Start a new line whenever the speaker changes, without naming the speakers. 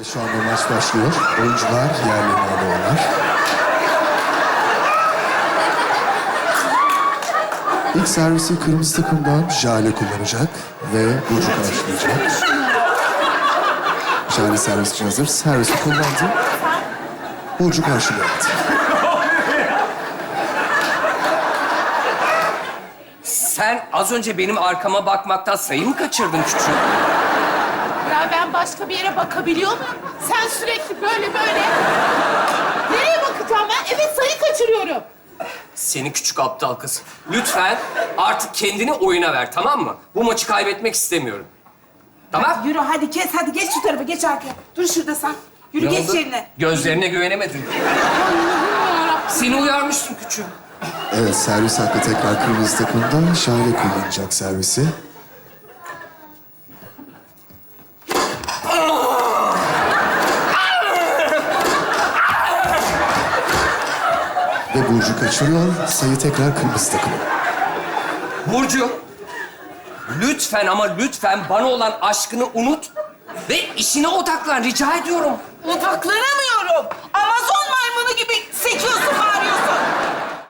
Şu anda maç başlıyor. Oyuncular yerlerine alıyorlar. İlk servisi kırmızı takımdan Jale kullanacak ve Burcu karşılayacak. Jale servis için hazır. Servisi kullandı. Burcu karşılıyor.
Sen az önce benim arkama bakmaktan sayı mı kaçırdın küçük?
Ya ben başka bir yere bakabiliyor muyum? Sen sürekli böyle böyle. Nereye bakacağım ben? Evet, sayı kaçırıyorum.
Seni küçük aptal kız. Lütfen artık kendini oyuna ver, tamam mı? Bu maçı kaybetmek istemiyorum. Tamam?
Yürü hadi kes, hadi geç şu tarafa, geç arkaya. Dur şurada sen. Yürü
Ne
geç
oldu?
yerine.
Gözlerine güvenemedin. Seni uyarmıştım küçüğüm.
Evet, servis hakkı tekrar kırmızı takımdan Jale kullanacak servisi. Ve Burcu kaçırıyor. Sayı tekrar kırmızı takım.
Burcu, lütfen ama lütfen bana olan aşkını unut ve işine odaklan, rica ediyorum.
Odaklanamıyorum. Amazon maymunu gibi sekiyorsun, bağırıyorsun.